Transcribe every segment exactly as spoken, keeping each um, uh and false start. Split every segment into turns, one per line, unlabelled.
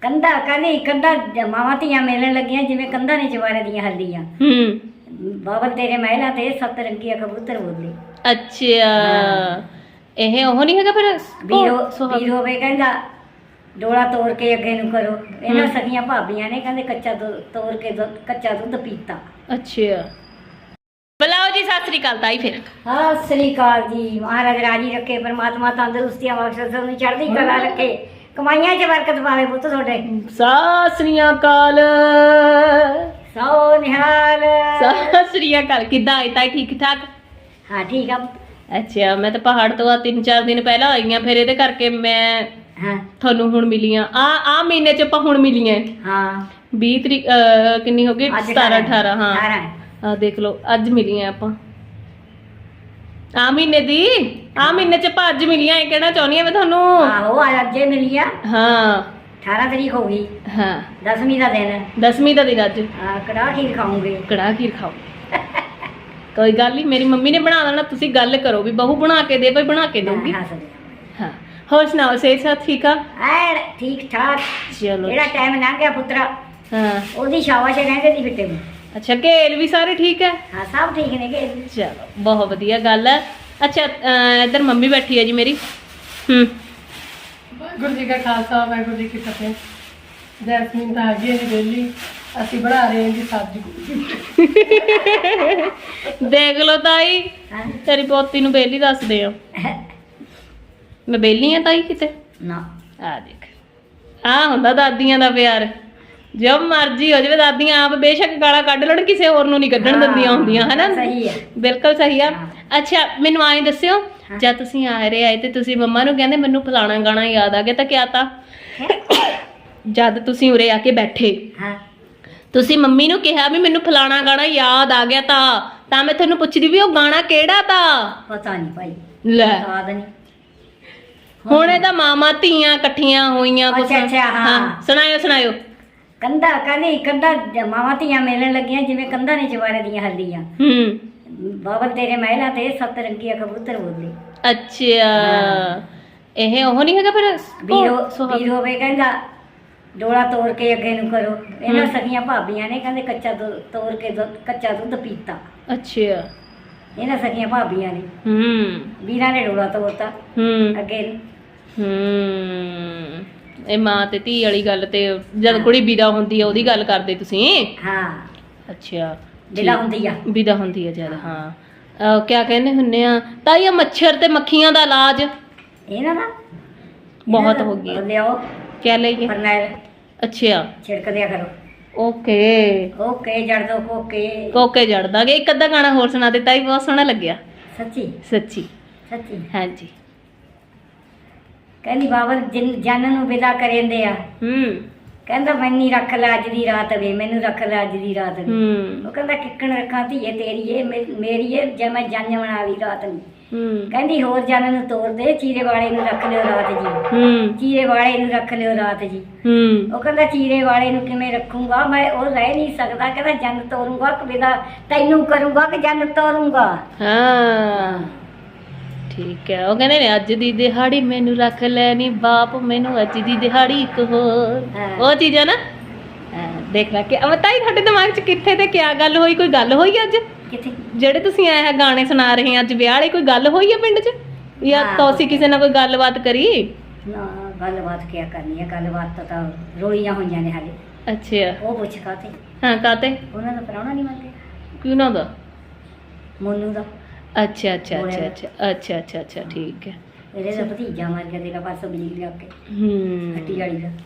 ਕੰਧਾ ਕਹਿੰਦੀ ਕੰਧਾ ਮਾਵਾਂ ਧੀਆਂ ਮਿਲਣ ਲੱਗੀਆਂ ਜਿਵੇਂ ਕੰਧਾਂ ਨੇ ਜਵਾਰੇ ਦੀਆਂ ਹੱਡੀਆਂ।
ਹੂੰ
ਬਾਬਲ ਤੇਰੇ ਮਹਿਲਾ ਤੇ ਸੱਤ ਰੰਗੀਆਂ ਕਬੂਤਰ ਬੋਲੇ।
ਅੱਛਾ ਇਹ ਉਹ ਨਹੀਂ ਹੈਗਾ ਫਿਰ
ਵੀਰੋ ਵੀਰ ਹੋਵੇ ਕਹਿੰਦਾ ਡੋਲਾ ਤੋੜ ਕੇ ਅੱਗੇ ਨੂੰ ਕਰੋ। ਇਹਨਾਂ ਸਖੀਆਂ ਭਾਬੀਆਂ ਨੇ ਕਹਿੰਦੇ ਕੱਚਾ ਦੁੱਧ ਤੋੜ ਕੇ ਦੁੱਧ ਕੱਚਾ ਦੁੱਧ ਪੀਤਾ।
ਅੱਛਾ ਬੁਲਾਓ ਜੀ ਸਤਿ ਸ੍ਰੀ ਅਕਾਲ ਤਾਈ ਫਿਰ।
ਸਤਿ ਸ੍ਰੀ ਅਕਾਲ ਜੀ। ਮਹਾਰਾਜ ਰਾਜੀ ਰੱਖੇ, ਪਰਮਾਤਮਾ ਤੰਦਰੁਸਤੀਆਂ ਬਖਸ਼ੇ, ਤੁਹਾਨੂੰ ਚੜ੍ਹਦੀ ਕਲਾ ਰੱਖੇ, ਕਮਾਈਆਂ 'ਚ ਬਰਕਤ ਪਾਵੇ ਪੁੱਤ ਤੁਹਾਡੇ।
ਸਤਿ ਸ੍ਰੀ ਅਕਾਲ।
ਸੋ ਨਿਹਾਲ।
ਸਤਿ ਸ੍ਰੀ ਅਕਾਲ। ਕਿੱਦਾਂ ਆਈ ਤਾਈ? ਠੀਕ ਠਾਕ?
ਹਾਂ ਠੀਕ ਆ।
ਅੱਛਾ ਮੈਂ ਤਾਂ ਪਹਾੜ ਤੋਂ ਆ ਤਿੰਨ ਚਾਰ ਦਿਨ ਪਹਿਲਾਂ ਆਈ ਆ, ਫਿਰ ਇਹਦੇ ਕਰਕੇ ਮੈਂ
ਹਾਂ
ਤੁਹਾਨੂੰ ਹੁਣ ਮਿਲੀ ਆ। ਆ ਆ ਮਹੀਨੇ 'ਚ ਆਪਾਂ ਹੁਣ ਮਿਲੀਆਂ।
ਹਾਂ
ਵੀਹ ਤਰੀਕ ਕਿੰਨੀ ਹੋ ਗਈ? ਸਤਾਰਾਂ ਅਠਾਰਾਂ। ਹਾਂ ਆ ਦੇਖ ਲਓ ਅੱਜ ਮਿਲੀਆਂ ਆਪਾਂ ਆ ਮਹੀਨੇ ਦੀ। ਆ ਮਹੀਨੇ 'ਚ ਆਪਾਂ ਅੱਜ ਮਿਲੀਆਂ। ਇਹ ਕਹਿਣਾ ਚਾਹੁੰਦੀ ਆ ਮੈਂ ਤੁਹਾਨੂੰ।
ਆਹੋ ਅੱਜੇ ਮਿਲੀ ਆ।
ਹਾਂ
ਅਠਾਰਾਂ ਤਰੀਕ ਹੋ ਗਈ।
ਹਾਂ
ਦਸਵੀਂ ਦਾ ਦਿਨ।
ਦਸਵੀਂ ਦਾ ਦਿਨ ਅੱਜ।
ਹਾਂ ਕੜਾਹ ਖੀਰ ਖਾਉਂਗੇ।
ਕੜਾਹ ਖੀਰ ਖਾਓ। ਕੋਈ ਗੱਲ ਨਹੀਂ, ਮੇਰੀ ਮੰਮੀ ਨੇ ਬਣਾ ਦੇਣਾ, ਤੁਸੀਂ ਗੱਲ ਕਰੋ ਵੀ ਬਹੂ ਬਣਾ ਕੇ ਦੇ, ਭਾਈ ਬਣਾ ਕੇ ਦਊਗੀ। ਹਾਂ ਹੋਰ ਸੁਣਾਓ, ਸਿਹਤ ਸਾਥ ਠੀਕ ਆ?
ਐ ਠੀਕ ਠਾਕ।
ਚਲੋ
ਜਿਹੜਾ ਟਾਈਮ ਲੰਘ ਗਿਆ ਪੁੱਤਰਾ
ਹਾਂ
ਉਹਦੀ ਸ਼ਾਬਾਸ਼ ਕਹਿੰਦੇ ਦੀ ਫਿੱਟੇ ਨੂੰ।
ਅੱਛਾ ਘੇਲ ਵੀ ਸਾਰੇ ਠੀਕ ਹੈ?
ਹਾਂ ਸਭ ਠੀਕ ਨੇ ਕਿ।
ਚਲੋ ਬਹੁਤ ਵਧੀਆ ਗੱਲ ਹੈ। ਅੱਛਾ ਇੱਧਰ ਮੰਮੀ ਬੈਠੀ ਹੈ ਜੀ ਮੇਰੀ। ਹੂੰ
ਵਾਹਿਗੁਰੂ ਜੀ ਕਾ ਖਾਲਸਾ ਵਾਹਿਗੁਰੂ ਜੀ ਕੀ ਫਤਿਹ। ਜੈਸਮੀਨ ਤਾਂ ਆ ਗਈ ਹੈ ਜੀ ਵਿਹਲੀ, ਅਸੀਂ ਬਣਾ ਰਹੇ ਹਾਂ ਜੀ ਸਬਜ਼ੀ।
ਦੇਖ ਲਓ ਤਾਈ, ਤੇਰੀ ਪੋਤੀ ਨੂੰ ਬੇਲੀ ਦੱਸਦੇ ਆ। ਮੈਂ ਬੇਲੀ ਆ ਤਾਈ ਕਿਤੇ?
ਨਾ
ਆ ਦੇਖ, ਆ ਹੁੰਦਾ ਦਾਦੀਆਂ ਦਾ ਪਿਆਰ। ਜੋ ਮਰਜੀ ਹੋ ਜਾਵੇ, ਦਾਦੀਆਂ ਆਪ ਬੇਸ਼ੱਕ ਗਾਲਾਂ ਕੱਢ ਲੈਣ, ਕਿਸੇ ਹੋਰ ਨੂੰ ਨਹੀਂ ਕੱਢਣ ਦਿੰਦੀਆਂ ਹੁੰਦੀਆਂ, ਹਨਾ?
ਸਹੀ ਹੈ,
ਬਿਲਕੁਲ ਸਹੀ ਆ। ਅੱਛਾ ਮੈਨੂੰ ਆਏ ਦੱਸਿਓ, ਜਦ ਤੁਸੀਂ ਆ ਰਹੇ ਆਏ ਤੇ ਤੁਸੀਂ ਮੰਮਾ ਨੂੰ ਕਹਿੰਦੇ ਮੈਨੂੰ ਫਲਾਣਾ ਗਾਣਾ ਯਾਦ ਆ ਗਿਆ, ਤਾਂ ਕਿਆ ਤਾ? ਜਦ ਤੁਸੀਂ ਉਰੇ ਆ ਕੇ ਬੈਠੇ
ਹਾਂ
ਤੁਸੀਂ ਮੰਮੀ ਨੂੰ ਕਿਹਾ ਵੀ ਮੈਨੂੰ ਫਲਾਣਾ ਗਾਣਾ ਯਾਦ ਆ ਗਿਆ ਤਾਂ ਤਾਂ ਮੈਂ ਤੁਹਾਨੂੰ ਪੁੱਛਦੀ ਵੀ ਉਹ ਗਾਣਾ ਕਿਹੜਾ ਤਾ?
ਪਤਾ ਨਹੀਂ ਭਾਈ,
ਲੈ
ਯਾਦ ਨਹੀਂ।
ਹੁਣ ਇਹਦਾ ਮਾਮਾ ਧੀਆਂ ਇਕੱਠੀਆਂ ਹੋਈਆਂ ਕੁਛ।
ਅੱਛਾ ਅੱਛਾ ਹਾਂ
ਸੁਣਾਇਓ ਸੁਣਾਇਓ।
ਕੰਧਾ ਕਹਿੰਦੀ ਕੰਧਾ ਮਾਵਾਂ ਧੀਆਂ ਮਿਲਣ ਲੱਗੀਆਂ ਜਿਵੇਂ ਕੰਧਾਂ ਨੇ ਜਵਾਰੇ ਦੀਆਂ ਹੱਡੀਆਂ।
ਹੂੰ
ਬਾਬਲ ਤੇਰੇ ਮਹਿਲਾ ਤੇ ਸੱਤ ਰੰਗੀਆਂ ਕਬੂਤਰ ਬੋਲੇ।
ਅੱਛਾ ਇਹ ਉਹ ਨਹੀਂ ਹੈਗਾ ਫਿਰ
ਵੀਰੋ ਵੀਰ ਹੋਵੇ ਕਹਿੰਦਾ ਡੋਲਾ ਤੋੜ ਕੇ ਅੱਗੇ ਨੂੰ ਕਰੋ। ਇਹਨਾਂ ਸਖੀਆਂ ਭਾਬੀਆਂ ਨੇ ਕਹਿੰਦੇ ਕੱਚਾ ਦੁੱਧ ਤੋੜ ਕੇ ਦੁੱਧ ਕੱਚਾ ਦੁੱਧ ਪੀਤਾ।
ਅੱਛਾ
ਇਹਨਾਂ ਸਖੀਆਂ ਭਾਬੀਆਂ ਨੇ।
ਹੂੰ
ਵੀਰਾਂ ਨੇ ਡੋਲਾ ਤੋੜਤਾ
ਹੂੰ
ਅੱਗੇ ਨੂੰ।
ਹੂੰ ਇਹ ਮਾਂ ਤੇ ਧੀ ਵਾਲੀ ਗੱਲ ਤੇ ਜਦ ਕੁੜੀ ਵਿਦਾ ਹੁੰਦੀ ਆ ਉਹਦੀ ਗੱਲ ਕਰਦੇ ਤੁਸੀਂ?
ਹਾਂ
ਅੱਛਾ
ਵਿਦਾ ਹੁੰਦੀ ਆ।
ਵਿਦਾ ਹੁੰਦੀ ਆ ਜਦ। ਹਾਂ ਅਹ ਕਿਆ ਕਹਿੰਦੇ ਹੁੰਨੇ ਆ ਤਾਂ ਇਹ ਮੱਛਰ ਤੇ ਮੱਖੀਆਂ ਦਾ ਇਲਾਜ
ਇਹਨਾਂ ਦਾ
ਬਹੁਤ ਹੋ ਗਿਆ।
ਲਿਆਓ
ਕਿਆ ਲਈਏ?
ਫਰਨੈਲ
ਅੱਛਾ
ਛਿੜਕ ਦਿਆ ਕਰੋ।
ਓਕੇ
ਓਕੇ ਜੜ ਦੋ ਕੋਕੇ।
ਕੋਕੇ ਜੜ ਦਾਂਗੇ। ਇੱਕ ਅੱਧਾ ਗਾਣਾ ਹੋਰ ਸੁਣਾ ਦਿੱਤਾ ਹੀ, ਬਹੁਤ ਸੋਹਣਾ ਲੱਗਿਆ
ਸੱਚੀ
ਸੱਚੀ।
ਸੱਚੀ
ਹਾਂਜੀ
ਕਹਿੰਦੀ ਬਾਬਲ ਜਿਨ ਜਨ ਨੂੰ ਵਿਦਾ ਕਰੇਂਦੇ ਆ।
ਹੂੰ
ਕਹਿੰਦਾ ਮੈਨੂੰ ਰੱਖ ਲੈ ਅੱਜ ਦੀ ਰਾਤ ਵੇ, ਮੈਨੂੰ ਰੱਖ ਲੈ ਅੱਜ ਦੀ ਰਾਤ ਵੇ।
ਹੂੰ
ਉਹ ਕਹਿੰਦਾ ਕਿੱਕਣ ਰੱਖਾਂ ਧੀਏ ਤੇਰੀ ਏ ਮੇਰੀ ਏ ਜੇ ਮੈਂ ਜੰਨ ਬਣਾ ਲਈ ਰਾਤ ਨੂੰ।
ਹੂੰ
ਕਹਿੰਦੀ ਹੋਰ ਜਨ ਨੂੰ ਤੋੜ ਦੇ, ਚੀਰੇ ਵਾਲੇ ਨੂੰ ਰੱਖ ਲਿਓ ਰਾਤ ਜੀ।
ਹੂੰ
ਚੀਰੇ ਵਾਲੇ ਨੂੰ ਰੱਖ ਲਿਓ ਰਾਤ ਜੀ।
ਹੂੰ
ਉਹ ਕਹਿੰਦਾ ਚੀਰੇ ਵਾਲੇ ਨੂੰ ਕਿਵੇਂ ਰੱਖੂੰਗਾ ਮੈਂ, ਉਹ ਰਹਿ ਨਹੀਂ ਸਕਦਾ। ਕਹਿੰਦਾ ਜੰਨ ਤੋਰੂੰਗਾ ਕਿ ਵਿਦਾ ਤੈਨੂੰ ਕਰੂੰਗਾ ਕਿ ਜੰਨ ਤੋਰੂੰਗਾ।
ਹਾਂ ਠੀਕ ਹੈ। ਉਹ ਕਹਿੰਦੇ ਨੇ ਅੱਜ ਦੀ ਦਿਹਾੜੀ ਮੈਨੂੰ ਰੱਖ ਲੈ ਨੀ ਬਾਪ, ਮੈਨੂੰ ਅੱਜ ਦੀ ਦਿਹਾੜੀ ਇੱਕ ਹੋਰ। ਉਹ ਚੀਜ਼ ਹੈ ਨਾ। ਦੇਖ ਲੈ ਕਿ ਤਾਈ ਤੁਹਾਡੇ ਦਿਮਾਗ 'ਚ ਕਿੱਥੇ ਤੇ ਕਿਆ ਗੱਲ ਹੋਈ? ਕੋਈ ਗੱਲ ਹੋਈ ਅੱਜ
ਕਿੱਥੇ?
ਜਿਹੜੇ ਤੁਸੀਂ ਆਏ ਹੈ ਗਾਣੇ ਸੁਣਾ ਰਹੇ ਅੱਜ ਵਿਆਹ ਵਾਲੀ, ਕੋਈ ਗੱਲ ਹੋਈ ਹੈ ਪਿੰਡ 'ਚ ਜਾਂ ਤੁਸੀਂ ਕਿਸੇ ਨਾਲ ਕੋਈ ਗੱਲਬਾਤ ਕਰੀ?
ਨਾ ਗੱਲਬਾਤ ਕਿਆ ਕਰਨੀ ਹੈ, ਗੱਲਬਾਤ ਤਾਂ ਤਾਂ ਰੋਲੀਆਂ ਹੋਈਆਂ ਨੇ ਹਾਲੇ।
ਅੱਛਾ
ਉਹ ਪੁੱਛ ਕਾਤੇ?
ਹਾਂ ਕਾਤੇ?
ਉਹਨਾਂ ਦਾ ਪ੍ਰਾਹੁਣਾ ਨਹੀਂ ਮੰਨਦੇ
ਕਿਉਂ ਦਾ?
ਮੋਨੂ ਦਾ।
ਅੱਛਾ ਅੱਛਾ ਅੱਛਾ ਅੱਛਾ ਅੱਛਾ ਅੱਛਾ ਅੱਛਾ ਠੀਕ ਹੈ।
ਇਹਦੇ ਦਾ ਭਤੀਜਾ ਮਰ ਗਿਆ ਤੇਰਾ ਪਰਸੋਂ ਬਿਜਲੀ ਲੱਗ ਕੇ
ਹੂੰ
ਹੱਟੀ ਵਾਲੀ ਦਾ।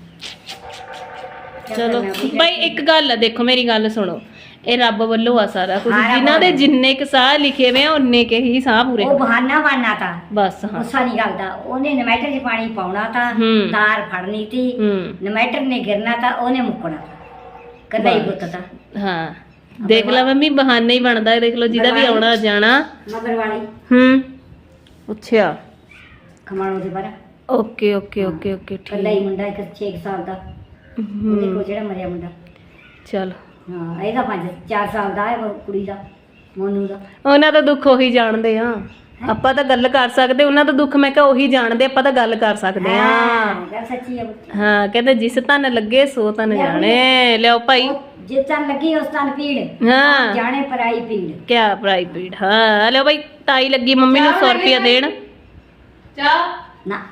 ਚਲੋ ਬਾਈ ਇੱਕ ਗੱਲ ਆ, ਦੇਖੋ ਮੇਰੀ ਗੱਲ ਸੁਣੋ, ਇਹ ਰੱਬ ਵੱਲੋਂ ਆ ਸਾਰਾ ਕੁਝ। ਜਿਨ੍ਹਾਂ ਦੇ ਜਿੰਨੇ ਕੁ ਸਾਹ ਲਿਖੇ ਵੇ ਆ ਉਨੇ ਕੇ ਹੀ ਸਾਹ ਪੂਰੇ।
ਉਹ ਬਹਾਨਾ ਬਣਨਾ ਤਾਂ
ਬਸ। ਹਾਂ
ਗੁੱਸਾ ਨਹੀਂ ਕਰਦਾ। ਉਹਨੇ ਨਮੈਟਰ 'ਚ ਪਾਣੀ ਪਾਉਣਾ ਤਾਂ
ਹੂੰ।
ਤਾਰ ਫੜਨੀ ਤੀ,
ਹੂੰ
ਨਮੈਟਰ ਨੇ ਗਿਰਨਾ ਤਾਂ ਉਹਨੇ ਮੁੱਕਣਾ ਕੱਲਾ ਹੀ ਪੁੱਤ ਤਾਂ।
ਹਾਂ ਦੇਖ ਲੈ ਮੰਮੀ, ਬਹਾਨੇ ਹੀ ਬਣਦਾ ਹੈ। ਦੇਖ ਲਓ ਜਿਹਦਾ ਵੀ ਆਉਣਾ ਜਾਣਾ।
ਮਗਰ ਵਾਲੀ
ਹੂੰ ਅੱਛਾ
ਖਮਾਣੋ ਦੇ ਬਾਰਾ।
ਓਕੇ ਓਕੇ ਓਕੇ ਓਕੇ
ਕੱਲਾ ਹੀ
ਠੀਕ।
ਮੁੰਡਾ ਇੱਕ ਛੇ ਕੁ ਸਾਲ ਦਾ। ਉਹਦੇ ਕੋਲ ਜਿਹੜਾ ਮਰਿਆ ਮੁੰਡਾ।
ਚਲ
ਹਾਂ ਇਹਦਾ ਪੰਜ ਚਾਰ ਸਾਲ ਦਾ ਹੈ ਉਹ ਕੁੜੀ ਦਾ, ਮੋਨੂ ਦਾ।
ਉਹਨਾਂ ਦਾ ਦੁੱਖ ਉਹੀ ਜਾਣਦੇ ਆ। ਆਪਾਂ ਤਾਂ ਗੱਲ ਕਰ ਸਕਦੇ, ਉਹਨਾਂ ਦਾ ਦੁੱਖ ਮੈਂ ਕਿਹਾ ਉਹੀ ਜਾਣਦੇ, ਆਪਾਂ ਤਾਂ ਗੱਲ ਕਰ ਸਕਦੇ ਆ।
ਗੱਲ ਸੱਚੀ ਹੈ ਪੁੱਤ।
ਹਾਂ ਕਹਿੰਦੇ ਜਿਸ ਤਨ ਲੱਗੇ ਸੋ ਤਨ ਜਾਣੇ। ਲਿਓ ਭਾਈ,
ਉਹ ਜਿਸ ਤਨ ਲੱਗੀ ਉਸ ਤਨ ਪੀੜ,
ਹਾਂ
ਜਾਣੇ ਪਰਾਈ ਪੀੜ।
ਕਿਆ ਪ੍ਰਾਈਵੇਟ। ਹਾਂ ਲਿਓ ਭਾਈ, ਤਾਈ ਲੱਗੀ ਮੰਮੀ ਨੂੰ ਸੌ ਰੁਪਇਆ ਦੇਣ।
ਚਾਹ
ਨਾ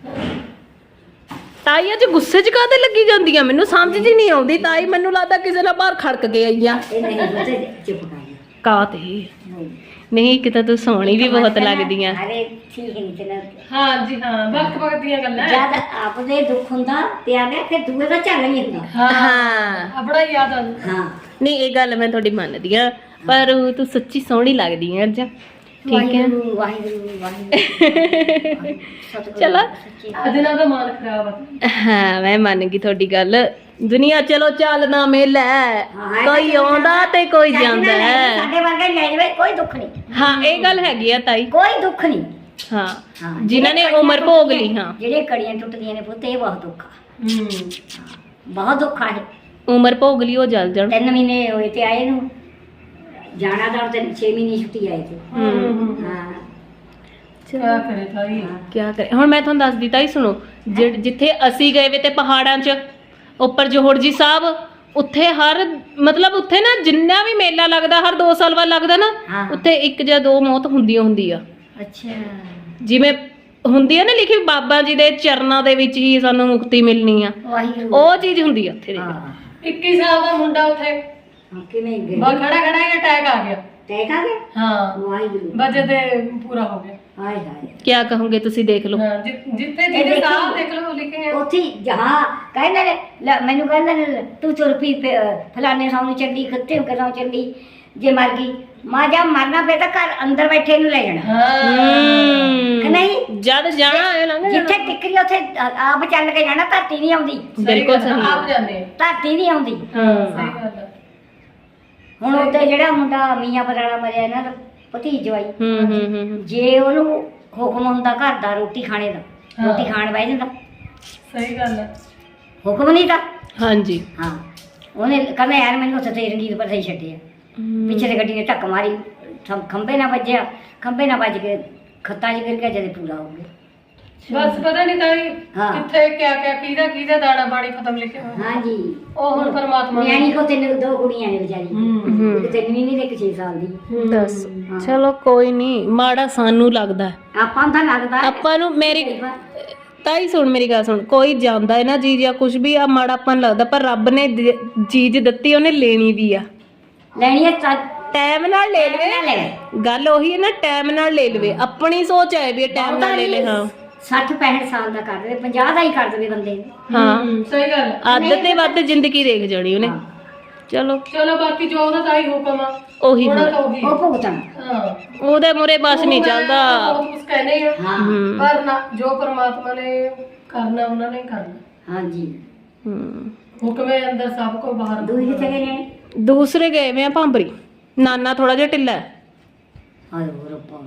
ਤਾਈ ਅੱਜ ਗੁੱਸੇ 'ਚ ਕਾਹਦੇ ਲੱਗੀ ਜਾਂਦੀ ਆ, ਮੈਨੂੰ ਸਮਝ ਜੀ ਨਹੀਂ ਆਉਂਦੀ। ਤਾਈ ਮੈਨੂੰ ਲੱਗਦਾ ਕਿਸੇ ਨਾਲ ਬਾਹਰ ਖੜਕ ਕੇ ਆਈ ਆ।
ਇਹ ਨਹੀਂ ਪੁੱਤ, ਚੁੱਪ ਕਰ ਜਾ।
ਕਾ ਤੇ
ਨਹੀਂ।
ਨਹੀਂ ਕਿਤੇ ਤੂੰ ਸੋਹਣੀ ਵੀ ਬਹੁਤ ਲੱਗਦੀ ਆ।
ਅਰੇ ਠੀਕ ਨਹੀਂ ਤੇ ਨਾ
ਹਾਂ ਜੀ ਹਾਂ, ਵਕਤ ਵਕਤ ਦੀਆਂ ਗੱਲਾਂ।
ਜਦ ਆਪਦੇ ਦੁੱਖ ਹੁੰਦਾ ਤੇ ਆ ਗਿਆ, ਫਿਰ ਦੂਏ ਦਾ ਝੱਲ ਨਹੀਂ ਹੁੰਦਾ।
ਹਾਂ
ਆਪਣਾ ਹੀ ਯਾਦ ਆਉਂਦਾ।
ਹਾਂ
ਨਹੀਂ ਇਹ ਗੱਲ ਮੈਂ ਤੁਹਾਡੀ ਮੰਨਦੀ ਆ, ਪਰ ਤੂੰ ਸੱਚੀ ਸੋਹਣੀ ਲੱਗਦੀ ਆ ਅੱਜ। ਠੀਕ ਹੈ
ਵਾਹਿਗੁਰੂ ਵਾਹਿਗੁਰੂ ਵਾਹਿਗੁਰੂ।
ਚਲੋ।
ਅੱਜ ਨਾ ਦਾ ਮਾਨ ਖਰਾਬ ਆ।
ਹਾਂ ਮੈਂ ਮੰਨ ਗਈ ਤੁਹਾਡੀ ਗੱਲ। ਦੁਨੀਆ ਚਲੋ ਚੱਲਦਾ ਮੇਲਾ ਹੈ,
ਹਾਂ,
ਕੋਈ ਆਉਂਦਾ ਤੇ ਕੋਈ ਜਾਂਦਾ ਹੈ।
ਸਾਡੇ ਵਰਗੇ ਲੈ ਜਾਵੇ ਕੋਈ ਦੁੱਖ ਨਹੀਂ,
ਹਾਂ ਇਹ ਗੱਲ ਹੈਗੀ ਆ ਤਾਈ।
ਕੋਈ ਦੁੱਖ ਨਹੀਂ।
ਹਾਂ
ਹਾਂ,
ਜਿਨ੍ਹਾਂ ਨੇ
ਜਿਹੜੀਆਂ
ਉਮਰ ਭੋਗ ਲਈ। ਹਾਂ
ਜਿਹੜੇ ਕੜੀਆਂ ਟੁੱਟਦੀਆਂ ਨੇ ਪੁੱਤ, ਇਹ ਬਹੁਤ ਦੁੱਖ ਆ,
ਹੂੰ
ਬਹੁਤ ਦੁੱਖ ਆ। ਇਹ
ਉਮਰ ਭੋਗ ਲਈ ਉਹ ਜਲ ਜਾਣ।
ਤਿੰਨ ਮਹੀਨੇ ਹੋਏ ਤੇ ਆਏ ਨੂੰ, ਜਾਣਾ ਤਾਂ ਤੇ ਛੇ ਮਹੀਨੇ ਛੁੱਟੀ ਆਏ ਤੇ।
ਹੂੰ
ਹਾਂ
ਕਿਆ ਕਰੇ ਤਾਈ।
ਕਿਆ ਕਰੇ ਹੁਣ। ਮੈਂ ਤੁਹਾਨੂੰ ਦੱਸਦੀ ਤਾਈ ਸੁਣੋ, ਜਿ- ਜਿੱਥੇ ਅਸੀਂ ਗਏ ਵੇ ਤੇ ਪਹਾੜਾਂ 'ਚ ਉੱਪਰ ਜੋਹੜ ਜੀ ਸਾਹਿਬ, ਉੱਥੇ ਹਰ ਮਤਲਬ ਉੱਥੇ ਨਾ ਜਿੰਨਾ ਵੀ ਮੇਲਾ ਲੱਗਦਾ ਹਰ ਦੋ ਸਾਲ ਬਾਅਦ ਲੱਗਦਾ ਨਾ,
ਹਾਂ।
ਉੱਥੇ ਇੱਕ ਜਾਂ ਦੋ ਮੌਤ ਹੁੰਦੀ ਓ ਹੁੰਦੀ ਆ।
ਅੱਛਾ
ਜਿਵੇਂ ਹੁੰਦੀ ਆ ਨਾ ਲਿਖੀ, ਬਾਬਾ ਜੀ ਦੇ ਚਰਨਾਂ ਦੇ ਵਿੱਚ ਹੀ ਸਾਨੂੰ ਮੁਕਤੀ ਮਿਲਣੀ ਆ,
ਵਾਹਿਗੁਰੂ।
ਉਹ ਚੀਜ਼ ਹੁੰਦੀ ਆ ਉੱਥੇ ਦੇ।
ਹਾਂ
ਇੱਕੀ ਸਾਲ ਦਾ ਮੁੰਡਾ ਉੱਥੇ
ਹਾਂ, ਕਿਵੇਂ ਗਏ
ਬਾ ਖੜਾ ਖੜਾ ਹੀ ਅਟੈਕ ਆ ਗਿਆ।
ਟੈਕ ਆ ਗਿਆ।
ਹਾਂ
ਵਾਹਿਗੁਰੂ
ਵਜੇ ਤੇ ਪੂਰਾ ਹੋ ਗਿਆ।
ਹਾਏ ਹਾਏ।
ਕਿਆ ਕਹੋਗੇ ਤੁਸੀਂ, ਦੇਖ ਲਓ।
ਹਾਂ ਜਿ- ਜਿੱਥੇ
ਇਹ
ਜਿਹਦੇ
ਦੇਖੀ।
ਸਾਹ ਦੇਖ ਲਓ ਲਿਖੇ ਆ।
ਉੱਥੇ ਜਹਾਂ ਕਹਿੰਦੇ ਨੇ, ਲੈ ਮੈਨੂੰ ਕਹਿੰਦੇ ਨੇ ਤੂੰ ਤੁਰ ਪਈ ਫੇ- ਫਲਾਣੇ ਥਾਂ ਨੂੰ ਚੱਲੀ, ਖੱਤੇ ਕਰਾਂ ਚੱਲੀ, ਜੇ ਮਰ ਗਈ ਮਾਂ ਜਾ ਮਰਨਾ ਪਏ ਤਾਂ ਘਰ ਅੰਦਰ ਬੈਠੇ ਨੂੰ ਲੈ ਜਾਣਾ।
ਹਾਂ
ਕਿ ਨਹੀਂ?
ਜਦ ਜਾਣਾ ਹੋਏ ਲੰਘ ਜਾਣਾ।
ਜਿੱਥੇ ਟਿਕਰੀ ਉੱਥੇ ਆਪ ਚੱਲ ਕੇ ਜਾਣਾ, ਧਰਤੀ ਨਹੀਂ ਆਉਂਦੀ।
ਬਿਲਕੁਲ ਸਹੀ
ਆਪ
ਹੈ।
ਜਾਂਦੇ ਆ।
ਧਰਤੀ ਨਹੀਂ ਆਉਂਦੀ।
ਹਾਂ
ਸਹੀ ਗੱਲ ਆ।
ਹੁਣ ਉੱਤੇ ਜਿਹੜਾ ਮੁੰਡਾ ਮੀਆਂ ਪਰਾਣਾ ਮਰਿਆ ਇਹਨਾਂ ਦਾ ਭਤੀਜ ਜਵਾਈ,
ਹੂੰ ਹੂੰ ਹੂੰ ਹੂੰ।
ਜੇ ਉਹਨੂੰ ਹੁਕਮ ਹੁੰਦਾ ਘਰ ਦਾ ਰੋਟੀ ਖਾਣੇ ਦਾ,
ਹਾਂ।
ਰੋਟੀ ਖਾਣ ਬਹਿ ਜਾਂਦਾ।
ਸਹੀ ਗੱਲ ਹੈ।
ਹੁਕਮ ਨਹੀਂ ਤਾਂ
ਹਾਂਜੀ।
ਹਾਂ, ਉਹਨੇ ਕਹਿੰਦਾ ਯਾਰ ਮੈਨੂੰ ਉੱਥੇ ਤੇ ਰਣਜੀਤ ਪਰ ਸਹੀ ਛੱਡਿਆ, ਪਿੱਛੇ ਤੇ ਗੱਡੀ ਨੇ ਧੱਕ ਮਾਰੀ, ਖੰ- ਖੰਭੇ ਨਾਲ ਵੱਜਿਆ, ਖੰਭੇ ਨਾਲ ਵੱਜ ਕੇ ਖੱਤਾਂ 'ਚ ਗਿਰ ਗਿਆ, ਜਦੇ ਪੂਰਾ ਹੋ ਗਿਆ।
ਬਸ ਪਤਾ ਨਹੀਂ ਤਾਈ
ਹਾਂ।
ਕਿੱਥੇ ਕਿਆ ਕਿਆ ਕਿਹਦਾ ਕਿਹਦਾ ਦਾਣਾ ਬਾਣੀ ਖਤਮ ਲਿਖਿਆ ਹੋਇਆ।
ਹਾਂਜੀ,
ਉਹ ਹੁਣ ਪਰਮਾਤਮਾ ਨੇ-
ਨਿਆਣੀ ਕੋ ਤਿੰਨ ਦੋ ਕੁੜੀਆਂ ਨੇ ਵਿਚਾਰੀ,
ਹੂੰ
ਇੱਕ ਤਿੰਨ ਮਹੀਨੇ ਤੇ ਇੱਕ ਛੇ ਸਾਲ ਦੀ।
ਦੱਸ। ਚਲੋ ਕੋਈ ਨਹੀਂ, ਮਾੜਾ ਸਾਨੂੰ ਲੱਗਦਾ।
ਆਪਾਂ ਨੂੰ ਤਾਂ ਲੱਗਦਾ
ਆਪਾਂ ਨੂੰ ਮੇਰੀ ਤਾਈ ਸੁਣ, ਮੇਰੀ ਗੱਲ ਸੁਣ, ਕੋਈ ਜਾਂਦਾ ਹੈ ਨਾ ਜੀ ਜਾਂ ਕੁਝ ਵੀ ਆ ਮਾੜਾ ਆਪਾਂ ਨੂੰ ਲੱਗਦਾ, ਪਰ ਰੱਬ ਨੇ ਦ- ਚੀਜ਼ ਦਿੱਤੀ, ਉਹਨੇ ਲੈਣੀ ਵੀ ਆ।
ਲੈਣੀ ਹੈ ਤਾਂ
ਟਾਈਮ ਨਾਲ ਲੈ
ਨਾ
ਲਵੇ।
ਲੈ
ਗੱਲ ਉਹੀ ਹੈ ਨਾ, ਟਾਈਮ ਨਾਲ ਲੈ ਲਵੇ। ਆਪਣੀ ਸੋਚ ਹੈ ਵੀ ਟਾਈਮ ਨਾਲ ਲੈ ਲੈ। ਹਾਂ
ਸੱਠ ਪੈਂਹਠ ਸਾਲ ਦਾ ਕਰ ਦੇਵੇ, ਪੰਜਾਹ ਦਾ ਹੀ ਕਰ ਦੇਵੇ ਬੰਦੇ ਨੂੰ।
ਹਾਂ,
ਹੂੰ, ਸਹੀ ਗੱਲ ਹੈ।
ਅੱਧ ਤੇ ਵੱਧ ਜ਼ਿੰਦਗੀ ਦੇਖ ਜਾਣੀ ਉਹਨੇ। ਚਲੋ
ਚਲੋ ਬਾਕੀ ਜੋ ਉਹਦਾ ਤਾਈ ਹੁਕਮ ਆ
ਉਹੀ
ਉਹਨਾਂ
ਹੋਣਾ।
ਤਾਂ ਉਹੀ
ਉਹ ਭੁਗਤਣ।
ਹਾਂ
ਉਹਦੇ ਮੂਰੇ ਬਸ ਨਹੀਂ ਚੱਲਦਾ।
ਬਹੁਤ ਕੁਝ ਕਹਿੰਦੇ ਆ
ਹਾਂ
ਹੂੰ
ਪਰ ਨਾ, ਜੋ ਪਰਮਾਤਮਾ ਨੇ ਕਰਨਾ ਉਹਨਾਂ ਨੇ ਕਰਨਾ।
ਹਾਂਜੀ।
ਹੂੰ।
ਹੁਕਮੇ ਅੰਦਰ ਸਭ ਕੋ ਬਾਹਰ।
ਦੂਈ ਕਿੱਥੇ ਗਏ ਨੇ?
ਦੂਸਰੇ ਗਏ ਵੇ ਆ ਭਾਂਬਰੀ। ਨਾਨਾ ਥੋੜਾ ਜਿਹਾ ਢਿੱਲਾ ਹੈ।
ਹਾਏ ਹੋ ਰੱਬਾ।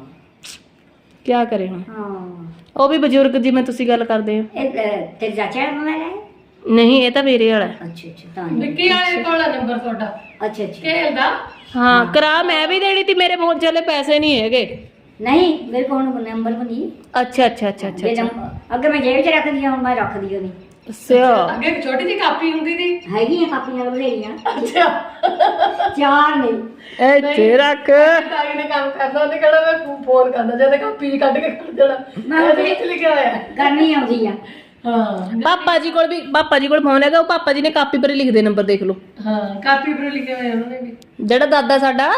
ਕਿਆ ਕਰੇ ਹੁਣ,
ਹਾਂ,
ਉਹ ਵੀ ਬਜ਼ੁਰਗ ਜਿਵੇਂ ਤੁਸੀਂ ਗੱਲ ਕਰਦੇ ਹੋ।
ਇਹ ਅਹ, ਤੇਰੇ ਚਾਚਾ ਦਾ ਮੋਬਾਈਲ ਹੈ?
ਨਹੀਂ ਇਹ ਤਾਂ ਮੇਰੇ ਵਾਲਾ ਹੈ।
ਅੱਛਾ ਅੱਛਾ, ਤਾਂ ਨਹੀਂ।
ਵਿੱਕੀ ਵਾਲੇ ਕੋਲ ਆ ਨੰਬਰ ਤੁਹਾਡਾ
ਅੱਛਾ ਅੱਛਾ।
ਖੇਲ ਦਾ।
ਹਾਂ ਕਰਾ ਮੈਂ ਵੀ ਦੇਣੀ ਤੀ, ਮੇਰੇ ਫੋਨ ਚਲੇ ਪੈਸੇ ਨਹੀਂ ਹੈਗੇ।
ਨਹੀਂ ਮੇਰੇ ਕੋਲ ਹੁਣ ਨੰਬਰ ਵੀ ਨਹੀਂ।
ਅੱਛਾ ਅੱਛਾ ਅੱਛਾ ਅੱਛਾ
ਜੇ
ਅੱਛਾ।
ਨੰਬਰ- ਅੱਗੇ ਮੈਂ ਜੇਬ 'ਚ ਰੱਖਦੀ ਹਾਂ, ਹੁਣ ਮੈਂ ਰੱਖਦੀ ਓ ਨਹੀਂ।
ਅੱਛਾ
ਅੱਗੇ ਇੱਕ ਛੋਟੀ ਜਿਹੀ ਕਾਪੀ ਹੁੰਦੀ ਸੀ।
ਹੈਗੀਆਂ ਕਾਪੀਆਂ ਬਥੇਰੀਆਂ,
ਅੱਛਾ
ਚਾਰ ਨੇ।
ਇੱਥੇ ਰੱਖ।
ਤਾਈ ਨੇ ਕੰਮ ਕਰਨਾ, ਉਹਨੇ ਕਹਿਣਾ ਮੈਂ ਫੋਨ ਕਰਦਾ, ਜਦ ਕਾਪੀ ਕੱਢ ਕੇ ਕਰ ਦੇਣਾ।
ਮੈਂ
ਮੈਂ ਵਿੱਚ ਲਿਖਿਆ ਹੋਇਆ ਹੈ।
ਕਰਨੀ ਆਉਂਦੀ ਆ।
ਹਾਂ
ਪਾਪਾ ਜੀ ਕੋਲ ਵੀ, ਪਾਪਾ ਜੀ ਕੋਲ ਫੋਨ ਹੈਗਾ, ਉਹ ਪਾਪਾ ਜੀ ਨੇ ਕਾਪੀ ਪਰ ਲਿਖਦੇ ਨੰਬਰ ਦੇਖ ਲਓ।
ਹਾਂ ਕਾਪੀ ਪਰ ਲਿਖੇ ਹੋਏ ਉਹਨਾਂ ਨੇ ਵੀ।
ਜਿਹੜਾ ਦਾਦਾ ਸਾਡਾ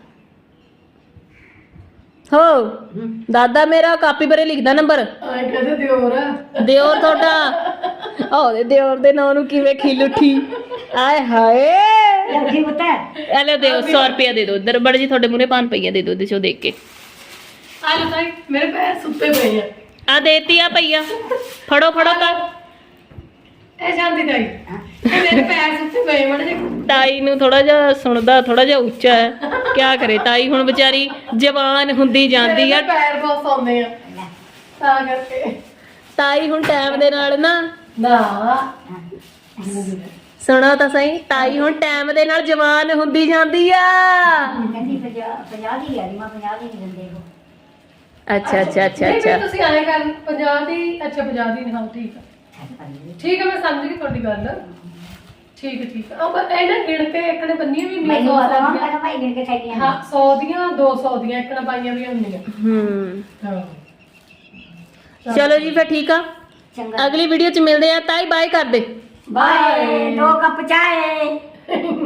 ਹੋ, ਦਾਦਾ ਮੇਰਾ ਕਾਪੀ ਪਰ ਲਿਖਦਾ ਨੰਬਰ।
ਆਏ ਕਹਿੰਦੇ ਦਿਓਰ ਆ।
ਦਿਓਰ ਤੁਹਾਡਾ, ਉਹਦੇ ਦਿਓਰ ਦੇ ਨਾਂ ਨੂੰ ਕਿਵੇਂ ਖਿਲ ਉੱਠੀ। ਆਏ ਹਾਏ।
ਰੱਖੀ ਪਤਾ
ਇਹ ਲੈ ਦਿਓ, ਸੌ ਰੁਪਇਆ ਦੇ ਦਿਓ। ਇੱਧਰ ਬੜ ਜੀ ਤੁਹਾਡੇ ਮੂਹਰੇ ਪੰਜ ਪਈਆ ਦੇ ਦਿਓ, ਇਹਦੇ ਚੋਂ ਦੇਖ ਕੇ।
ਆ ਲੋ ਤਾਈ, ਮੇਰੇ ਪੈਰ ਸੁੱਤੇ ਪਏ ਆ।
ਆ ਦੇਤੀ ਆ ਪਈਆ, ਫੜੋ ਫੜੋ ਤਾਂ।
ਇਹ ਸ਼ਾਂਤੀ ਤਾਈ, ਇਹ ਮੇਰੇ ਪੈਰ ਸੁੱਤੇ ਪਏ ਮੜੇ।
ਤਾਈ ਨੂੰ ਥੋੜਾ ਜਿਹਾ ਸੁਣਦਾ, ਥੋੜਾ ਜਿਹਾ ਉੱਚਾ ਹੈ। ਕਿਆ ਕਰੇ ਤਾਈ, ਹੁਣ ਵਿਚਾਰੀ ਜਵਾਨ ਹੁੰਦੀ ਜਾਂਦੀ ਆ।
ਪੈਰ ਬਹੁਤ ਸੌਂਦੇ ਆ ਤਾਂ ਕਰਕੇ।
ਤਾਈ ਹੁਣ ਟਾਈਮ ਦੇ ਨਾਲ ਨਾ,
ਨਾ
ਸੁਣੋ ਤਾਂ ਸਹੀ, ਤਾਈ ਹੁਣ ਟਾਈਮ ਦੇ ਨਾਲ ਜਵਾਨ ਹੁੰਦੀ ਜਾਂਦੀ ਆ।
ਕਹਿੰਦੀ ਪੰਜਾਹ ਪੰਜਾਹ ਦੀ ਆ ਰਹੀ, ਮੈਂ ਪੰਜਾਹ ਦੀ ਨਹੀਂ ਦਿੰਦੇ ਉਹ।
ਅੱਛਾ ਅੱਛਾ ਅੱਛਾ
ਨਹੀਂ,
ਅੱਛਾ
ਫਿਰ ਤੁਸੀਂ ਆਏ ਕਰ ਪੰਜਾਹ ਦੀ ਅੱਛਾ ਪੰਜਾਹ ਦੀ ਹਾਂ ਠੀਕ ਆ ਠੀਕ ਆ ਮੈਂ ਸਮਝ ਗਈ ਤੁਹਾਡੀ ਗੱਲ ਠੀਕ ਹੈ ਠੀਕ ਆ ਪਰ ਇਹ ਨਾ ਗਿਣ ਕੇ ਇੱਕ ਨੇ ਬੰਨੀਆਂ ਵੀ ਹੁੰਦੀਆਂ
ਮੈਨੂੰ
ਸੌ
ਪਤਾ
ਸੌ
ਨਾ
ਦੀਆਂ।
ਕਹਿੰਦਾ ਭਾਈ ਗਿਣ ਕੇ ਥੈਲੀਆਂ
ਹਾਂ ਸੌ ਦੀਆਂ ਦੋ ਸੌ ਦੀਆਂ ਇੱਕ ਨਾ ਪਾਈਆਂ ਵੀ ਹੁੰਦੀਆਂ
ਹੂੰ
ਹਾਂ
ਚਲੋ ਜੀ ਫਿਰ ਠੀਕ ਆ
ਚੰਗਾ
ਅਗਲੀ ਵੀਡੀਓ ਚ ਮਿਲਦੇ ਆ ਤਾਈ ਬਾਏ ਕਰ ਦੇ
ਬਾਏ ਦੋ ਕੱਪ ਚਾਏ